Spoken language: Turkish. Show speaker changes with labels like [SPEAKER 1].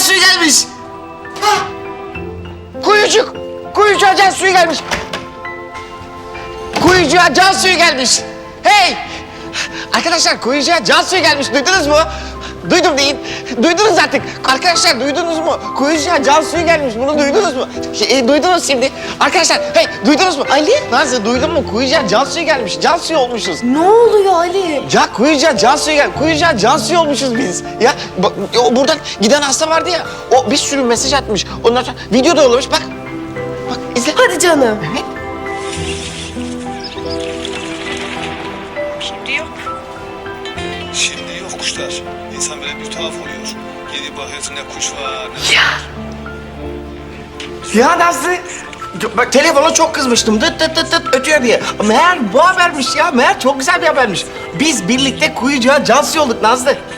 [SPEAKER 1] suyu gelmiş. Hah! Kuyucuğa can suyu gelmiş. Kuyucuğa can suyu gelmiş. Hey! Arkadaşlar kuyucuğa can suyu gelmiş. Duydunuz mu? Duydum deyin. Duydunuz artık. Arkadaşlar duydunuz mu? Kuyucuğa can suyu gelmiş. Bunu duydunuz mu? Duydunuz şimdi. Arkadaşlar hey duydunuz mu?
[SPEAKER 2] Ali?
[SPEAKER 1] Nazlı duydun mu? Kuyucuğa can suyu gelmiş. Can suyu olmuşuz.
[SPEAKER 2] Ne oluyor Ali?
[SPEAKER 1] Ya kuyucuğa can suyu gelmiş. Kuyucuğa can suyu olmuşuz biz. Ya bak, o buradan giden hasta vardı ya. O bir sürü mesaj atmış. Ondan sonra video da yollamış. Bak. Bak izle.
[SPEAKER 2] Hadi canım.
[SPEAKER 1] Evet.
[SPEAKER 3] Şimdi yok kuşlar. İnsan böyle bir tuhaf oluyor. Gidip bakıyorsun ne kuş var ne...
[SPEAKER 1] Ya Nazlı, bak telefona çok kızmıştım. Dıt dıt dıt dıt ötüyor diye. Meğer bu habermiş ya. Meğer çok güzel bir habermiş. Biz birlikte kuyucuğa can suyu olduk Nazlı.